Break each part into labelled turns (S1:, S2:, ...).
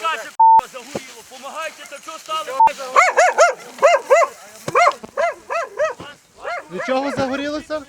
S1: наше загоріло. Помагайте, та що стало?
S2: Від чого загорілося?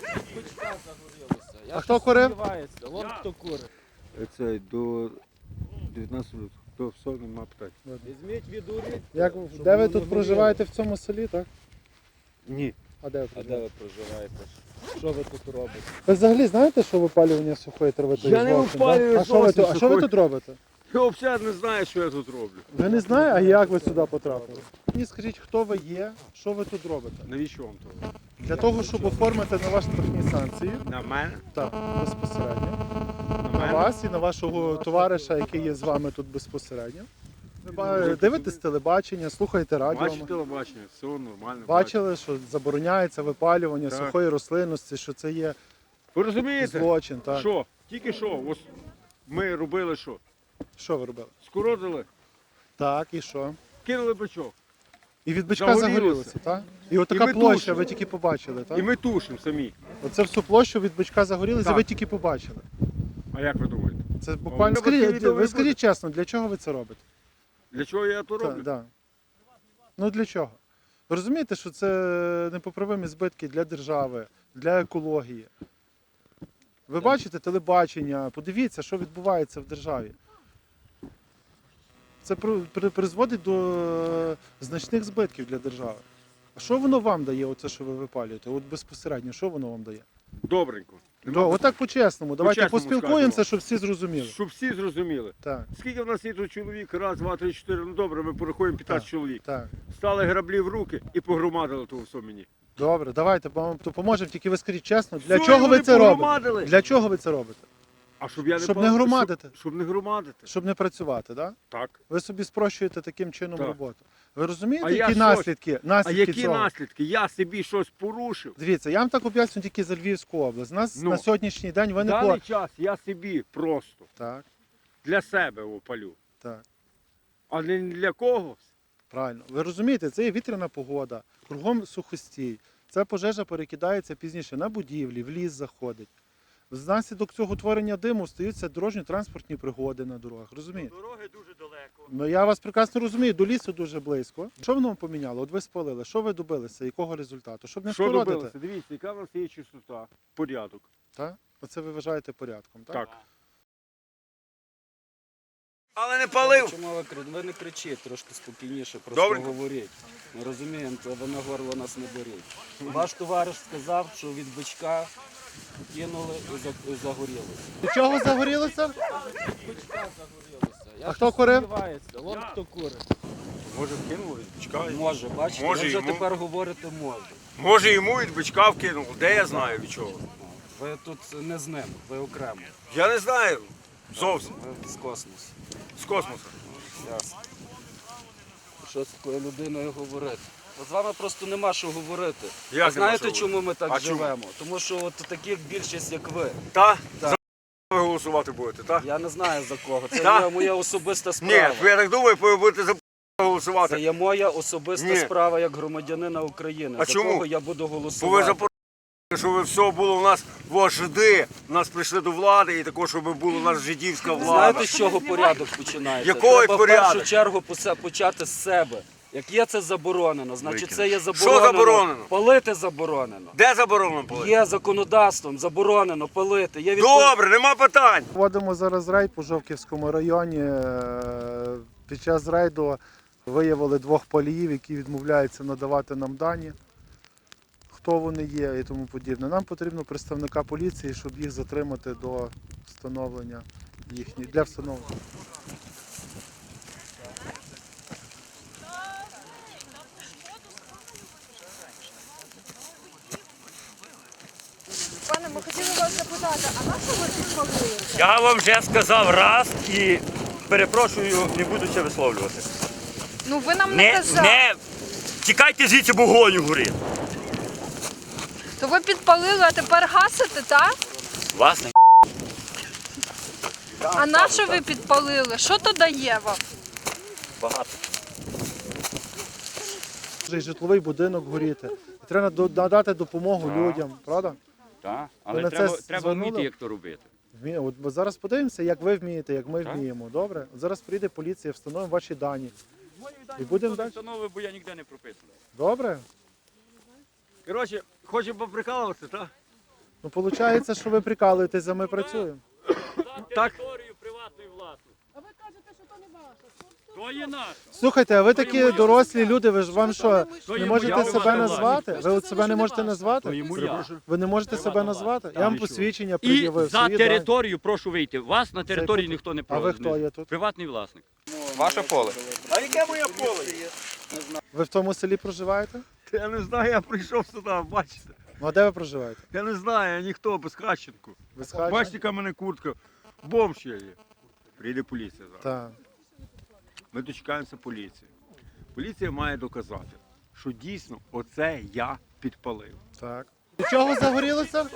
S2: А хто курив?
S3: Вон хто курить.
S4: Це до 19 до всього нема питань.
S3: Візьміть відуріть.
S2: Де ви тут проживаєте в цьому селі, так?
S4: Ні.
S2: А де ви
S3: А де
S2: проживаєте?
S3: ви проживаєте? Що ви тут робите?
S2: Ви взагалі знаєте, що випалювання сухої трави то є
S4: Я не
S2: злочин,
S4: випалюю
S2: да? А що ви
S4: зовсім
S2: тут- а що ви
S4: сухої.
S2: тут робите?
S4: Я взагалі не знаю, що я тут роблю.
S2: Ви не знаєте, а як ви сюди потрапили? Мені скажіть, хто ви є, що ви тут робите?
S4: Навіщо вам то?
S2: Для того, щоб оформити на вас штрафні санкції,
S4: На мене?
S2: так, безпосередньо,
S4: На
S2: на
S4: мене?
S2: вас і на вашого товариша, який є з вами тут безпосередньо. Ви дивитесь телебачення, слухаєте радіо.
S4: Бачите телебачення, все нормально.
S2: Бачили, що забороняється випалювання
S4: Так.
S2: сухої рослинності, що це є
S4: Ви розумієте?
S2: злочин. Так.
S4: Що? Тільки що? Ось ми робили що?
S2: Що ви робили?
S4: Скоротили,
S2: Так, і що?
S4: кинули бичок.
S2: І від бичка
S4: Загорілося.
S2: загорілося, так? І отака
S4: ми
S2: площа,
S4: тушимо.
S2: ви тільки побачили, так?
S4: І ми тушимо самі.
S2: Оце всю площу від бичка загорілося,
S4: Так.
S2: ви тільки побачили.
S4: А як ви думаєте?
S2: Це буквально.
S4: Ну,
S2: Скажіть,
S4: відео
S2: ви
S4: не
S2: скажіть чесно, для чого ви це робите?
S4: Для чого я то роблю?
S2: Да. Ну для чого? Ви розумієте, що це непоправимі збитки для держави, для екології. Ви бачите телебачення, подивіться, що відбувається в державі. Це призводить до значних збитків для держави. А що воно вам дає, оце, що ви випалюєте? От безпосередньо, що воно вам дає?
S4: Добренько.
S2: Отак по-чесному. Давайте
S4: По-чесному
S2: поспілкуємося,
S4: скажемо.
S2: щоб всі зрозуміли.
S4: Щоб всі зрозуміли.
S2: Так,
S4: Скільки в нас є тут чоловік? Раз, два, три, чотири. Ну добре, ми порахуємо 15
S2: Так.
S4: чоловік.
S2: так.
S4: Стали граблі в руки і погромадили того все мені.
S2: Добре, давайте вам допоможемо, тільки ви скажіть чесно, для
S4: Все,
S2: чого ви
S4: вони
S2: це робите?
S4: погромадили.
S2: Для чого ви це робите?
S4: А щоб я не
S2: Щоб
S4: пал-
S2: не громадити.
S4: Щоб не громадити.
S2: Щоб не працювати, так?
S4: Так.
S2: Ви собі спрощуєте таким чином
S4: Так.
S2: роботу. Ви розумієте,
S4: А я
S2: які
S4: що?
S2: наслідки,
S4: А
S2: наслідки
S4: які
S2: цього?
S4: наслідки? Я собі щось порушив.
S2: Дивіться, я вам так об'ясню тільки за Львівську область. У нас
S4: Ну.
S2: на сьогоднішній день ви
S4: В
S2: не
S4: даний час я собі просто
S2: Так,
S4: для себе опалю.
S2: так,
S4: А не для когось.
S2: правильно. Ви розумієте, це є вітряна погода, кругом сухостій. Ця пожежа перекидається пізніше на будівлі, в ліс заходить. Внаслідок цього утворення диму стаються дорожньо-транспортні пригоди на дорогах. Розумієте?
S1: Дороги дуже далеко.
S2: Ну я вас прекрасно розумію, до лісу дуже близько. Що воно вам поміняло? От ви спалили, що ви добилися, якого результату? Щоб не
S4: Що
S2: скоротити.
S4: добилося? Дивіться, яка в нас є чистота, порядок.
S2: Так? Оце ви вважаєте порядком, так?
S4: Так. Але не палив.
S3: Чому ви не кричіть, трошки спокійніше, просто
S4: Добренько.
S3: говоріть. Ми розуміємо, то ви на горло нас не беріть. Ваш товариш сказав, що від бичка кинули і загорілося.
S2: Від чого загорілося?
S3: Бичка загорілося.
S2: А хто курив?
S3: Сподівається, вон хто курить.
S4: Може вкинули від бичка?
S3: Може, бачите,
S4: Може,
S3: ви вже
S4: йому.
S3: тепер говорите може.
S4: Може йому від бичка вкинув. Де я знаю від чого?
S3: Ви тут не з ним, ви окремо.
S4: Я не знаю. Зовсім.
S3: Ви з космосу.
S4: З космосу.
S3: Ясно. Що з такою людиною говорити? От з вами просто нема що говорити.
S4: Як
S3: А знаєте,
S4: нема що
S3: чому ми так
S4: А чому?
S3: живемо? Тому що от таких більшість, як ви.
S4: Та?
S3: Так.
S4: За ви голосувати будете, так?
S3: Я не знаю за кого. Це
S4: Так?
S3: є моя особиста
S4: Ні,
S3: справа.
S4: я так думаю, ви будете за
S3: Це
S4: голосувати.
S3: є моя особиста
S4: Ні.
S3: справа як громадянина України.
S4: А
S3: за
S4: чому?
S3: кого я буду
S4: Бо ви
S3: голосувати.
S4: запорожці, щоб все було у нас вожди, нас прийшли до влади і також, щоб була у нас жидівська влада.
S3: Знаєте, з чого порядок починається?
S4: Якого
S3: Треба
S4: порядок?
S3: в першу чергу почати з себе. Як є це заборонено, значить це є
S4: Що
S3: заборонено.
S4: заборонено?
S3: Палити заборонено.
S4: Де заборонено палити?
S3: Є законодавством заборонено палити. Є
S4: Добре, нема питань.
S2: Вводимо зараз рейд по Жовківському районі. Під час рейду виявили двох паліїв, які відмовляються надавати нам дані, хто вони є і тому подібне. Нам потрібно представника поліції, щоб їх затримати до встановлення їхніх, для встановлення.
S5: Пане, ми хотіли вас запитати, а на що ви підпалили?
S1: Я вам вже сказав раз і перепрошую, не буду це висловлювати.
S5: Ну ви нам не казали.
S1: Не тікайте звідси, бо вогонь горить.
S5: То ви підпалили, а тепер гасите, так?
S1: Власне.
S5: А на що ви підпалили? Що то дає вам?
S1: Багато.
S2: Вже й житловий будинок горіти. Треба надати допомогу людям, правда?
S1: Так,
S2: Ви
S1: але
S2: на
S1: треба
S2: це
S1: треба
S2: звернули?
S1: вміти, як то робити.
S2: От ми зараз подивимося, як ви вмієте, як ми
S1: Так.
S2: вміємо. Добре? От зараз прийде поліція, встановимо ваші дані.
S1: Мої
S2: І будемо далі.
S1: встанови, бо я ніде не прописаний.
S2: Добре?
S4: Коротше, хочемо поприкалуватися, так?
S2: Ну, виходить, що ви прикалуєтесь, а ми працюємо.
S1: За територію приватної власності.
S6: А ви кажете, що то не ваше.
S1: То є наша.
S2: Слухайте, а ви
S1: То є
S2: такі
S1: моя.
S2: дорослі люди, ви ж вам що,
S1: То
S2: не
S1: є
S2: можете
S1: моя
S2: себе
S1: власна
S2: назвати?
S1: власність.
S2: Ви от себе не можете
S1: То є
S2: назвати?
S1: моя.
S2: Ви не можете себе
S1: Приватна
S2: назвати?
S1: власність.
S2: Я вам
S1: Так, і що?
S2: посвідчення
S1: І
S2: пред'явив.
S1: за
S2: свої дані.
S1: територію прошу вийти. Вас на території
S2: тут-
S1: ніхто не
S2: А
S1: проводить.
S2: ви хто є тут?
S1: Приватний власник.
S7: Ваше поле.
S4: А яке моє поле?
S2: Ви в тому селі проживаєте?
S4: Я не знаю, я прийшов сюди, бачите.
S2: Ну а де ви проживаєте?
S4: Я не знаю, я ніхто, без Хащенку.
S2: Ви з Хача?
S4: Бачите, яка в мене куртка. Бомж я є. Прийде поліція зараз.
S2: Так.
S4: Ми дочекаємося поліції. Поліція має доказати, що дійсно оце я підпалив.
S2: Так. Від чого загорілося?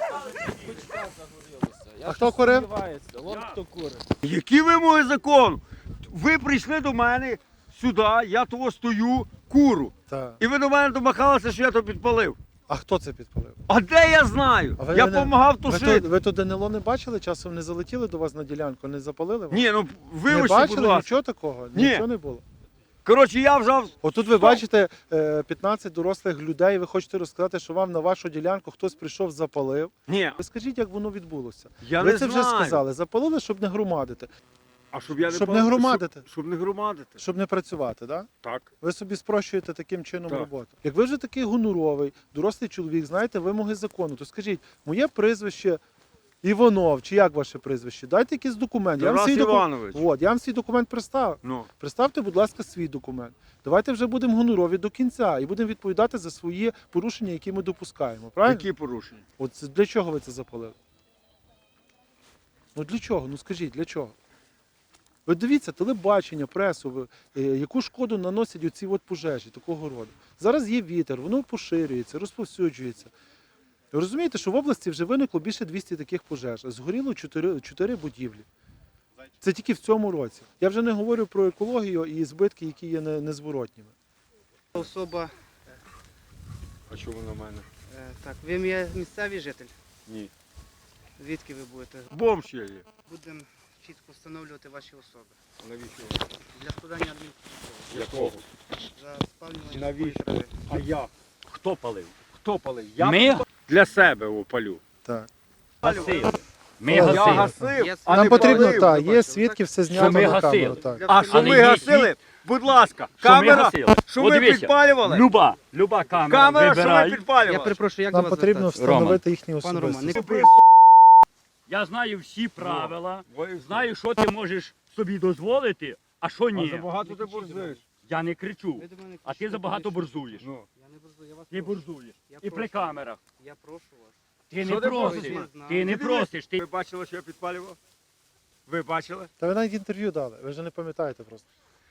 S3: Я
S2: А хто курив?
S3: сподіваюся, от хто курить.
S4: Які вимоги закону? Ви прийшли до мене сюди, я того стою, куру.
S2: Так.
S4: І ви до мене домахалися, що я то підпалив.
S2: А хто це підпалив?
S4: А де я знаю?
S2: А ви
S4: Я
S2: не-
S4: допомагав
S2: Ви
S4: тушити.
S2: тут, ви тут ДНЛО не бачили? Часом не залетіли до вас на ділянку, не запалили вас?
S4: Ні, ну
S2: Не
S4: вибачте, будь
S2: бачили?
S4: ласка.
S2: Нічого такого?
S4: Ні.
S2: Нічого не було?
S4: Коротше, я вжав.
S2: Отут ви бачите 15 дорослих людей, ви хочете розказати, що вам на вашу ділянку хтось прийшов, запалив.
S4: Ні,
S2: Ви скажіть, як воно відбулося.
S4: я
S2: ви
S4: не
S2: це
S4: знаю.
S2: вже сказали. Запалили, щоб не громадити.
S4: А щоб я не
S2: Щоб
S4: пал-
S2: не громадити.
S4: Щоб не громадити.
S2: Щоб не працювати, так?
S4: Так.
S2: Ви собі спрощуєте таким чином
S4: Так.
S2: роботу. Як ви вже такий гонуровий, дорослий чоловік, знаєте вимоги закону, то скажіть, моє прізвище Іванов, чи як ваше прізвище? Дайте якийсь документ.
S4: Тарас
S2: свій
S4: Іванович.
S2: От, я вам свій документ представив.
S4: Ну.
S2: Представте, будь ласка, свій документ. Давайте вже будемо гонорові до кінця і будемо відповідати за свої порушення, які ми допускаємо. Правильно?
S4: Які порушення?
S2: От для чого ви це запалили? Ну для чого? Ну скажіть, для чого? Ви дивіться, телебачення, пресу, яку шкоду наносять оці от пожежі такого роду. Зараз є вітер, воно поширюється, розповсюджується. Ви розумієте, що в області вже виникло більше 200 таких пожеж. Згоріло 4 будівлі. Це тільки в цьому році. Я вже не говорю про екологію і збитки, які є незворотніми.
S7: Особа,
S4: А чому на мене?
S7: так, ви є місцевий житель?
S4: Ні.
S7: Звідки ви будете?
S4: Бомж я є.
S7: Будемо чітко встановлювати ваші особи.
S4: Навіщо?
S7: Для складання адмінпротоколу.
S4: Якого?
S7: За спалювання
S4: Навіщо?
S7: сухої трави.
S4: А я?
S1: Хто палив?
S4: Хто палив?
S1: Ми
S4: Для себе опалю.
S2: Так.
S1: гасили. Ми
S2: Я
S1: гасили.
S4: гасив,
S7: Є
S4: а
S2: Нам
S4: не
S2: потрібно,
S4: палив.
S2: так, є свідки, все знято
S1: ми
S2: на
S1: гасили.
S2: камеру. Так.
S4: А що
S1: Але
S4: ми
S1: є
S4: гасили? Будь ласка,
S1: Що ми
S4: камера,
S1: гасили?
S4: що
S1: От
S4: ми
S1: дивіться,
S4: підпалювали?
S1: Люба камера,
S4: Камера, що
S1: вибирай.
S4: ми підпалювали?
S7: Я перепрошую, як
S2: Нам
S7: до вас
S2: потрібно
S7: звертатися?
S2: встановити їхні
S7: Пан Роман,
S2: особистості.
S7: не
S1: Я знаю всі правила,
S4: Ой,
S1: знаю, що ти можеш собі дозволити, а що
S4: А
S1: ні.
S4: забагато ти борзуєш.
S1: Я не кричу,
S7: Ви до мене
S1: а ти
S7: кричите,
S1: забагато
S7: тому що-
S1: борзуєш.
S4: Ну.
S7: Я не борзую, я вас
S1: Ти
S7: прошу.
S1: борзуєш.
S7: Я
S1: І при
S7: прошу.
S1: камерах.
S7: Я прошу вас.
S1: Ти
S4: Що
S1: не
S4: ти
S1: просиш.
S4: просиш?
S1: Ти не просиш. Ти
S4: Ви бачили, що я підпалював? Ви бачили?
S2: Та ви навіть інтерв'ю дали, ви вже не пам'ятаєте просто.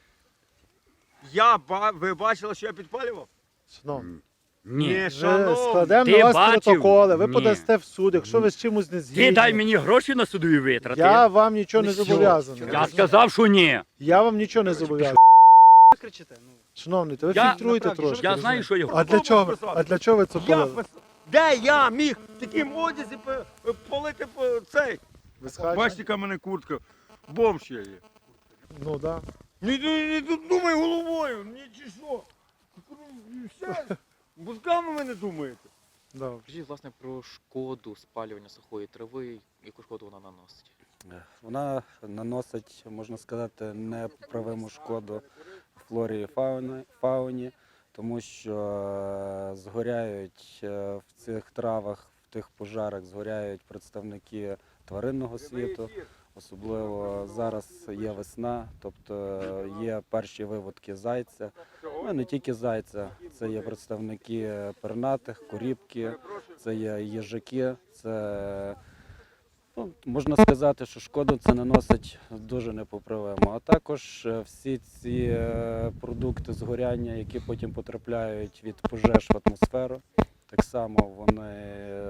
S4: Ви бачили, що я підпалював?
S2: Шановні,
S1: ні.
S2: вже
S4: шановний.
S2: складемо
S1: Ти
S2: на вас
S1: бачив?
S2: протоколи, ви
S1: Ні.
S2: подасте в суд, якщо ви з чимось не згідні.
S1: Ти дай мені гроші на судові витрати.
S2: Я вам нічого не
S1: Все.
S2: зобов'язаний.
S1: Я сказав, що ні.
S2: Я вам нічого не зобов'язаний.
S7: Ви кричите? Ну,
S2: Шановний, то ви
S1: Я-
S2: фільтруйте
S7: Направді,
S2: трошки.
S1: Я знаю, що я
S2: А для чого? А для чого ви це
S4: Я
S2: полили?
S4: Де я міг в таким одязі полити цей?
S2: Ви з Хача?
S4: Бачите, яка в мене куртка. Бомж я є.
S2: Ну да.
S4: Не думай головою, ні чи що. Все, мозками ви не думаєте.
S2: Добре.
S8: Скажіть, власне, про шкоду спалювання сухої трави, яку шкоду вона наносить?
S3: Вона наносить, можна сказати, непоправиму шкоду флорі і фауні, тому що згоряють в цих травах, в тих пожарах згоряють представники тваринного світу. Особливо зараз є весна, тобто є перші виводки зайця. Ну, не тільки зайця, це є представники пернатих, корібки, це є їжаки, це, ну, можна сказати, що шкоду це наносить дуже непоправимо. А також всі ці продукти згоряння, які потім потрапляють від пожеж в атмосферу, так само вони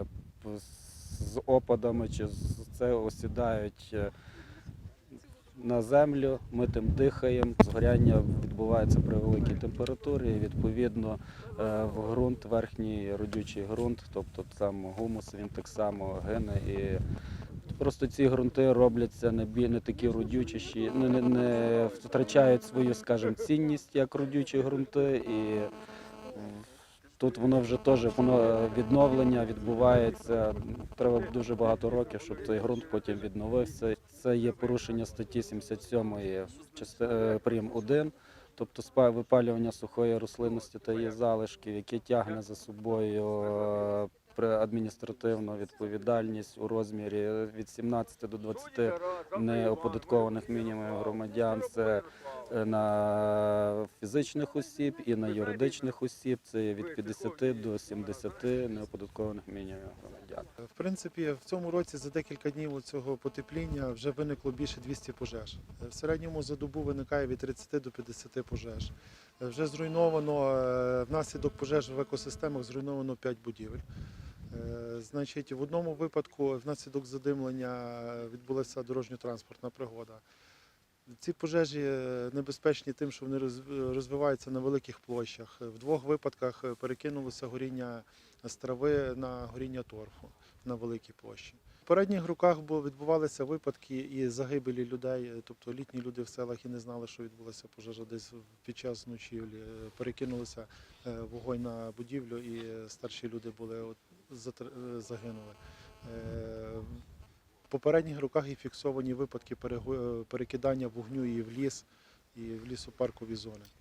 S3: з опадами чи це осідають на землю, ми тим дихаємо, згоряння відбувається при великій температурі, і відповідно в ґрунт, верхній родючий ґрунт, тобто сам гумус, він так само гине і Просто ці ґрунти робляться не такі родючіші, не втрачають свою, скажімо, цінність як родючі ґрунти. І тут воно вже теж відновлення відбувається. Треба дуже багато років, щоб той ґрунт потім відновився. Це є порушення статті 77 прим. 1, тобто випалювання сухої рослинності та її залишків, яке тягне за собою адміністративну відповідальність у розмірі від 17 до 20 неоподаткованих мінімумів громадян. Це на фізичних осіб і на юридичних осіб. Це від 50 до 70 неоподаткованих мінімумів громадян.
S2: В принципі, в цьому році за декілька днів цього потепління вже виникло більше 200 пожеж. В середньому за добу виникає від 30 до 50 пожеж. Вже зруйновано, внаслідок пожеж в екосистемах зруйновано 5 будівель. Значить, в одному випадку внаслідок задимлення відбулася дорожньо-транспортна пригода. Ці пожежі небезпечні тим, що вони розвиваються на великих площах. В двох випадках перекинулося горіння з трави на горіння торфу на великій площі. В попередніх роках відбувалися випадки і загибелі людей, тобто літні люди в селах і не знали, що відбулася пожежа десь під час ночівлі. Перекинулися вогонь на будівлю і старші люди загинули. В попередніх роках і фіксовані випадки перекидання вогню і в ліс, і в лісопаркові зони.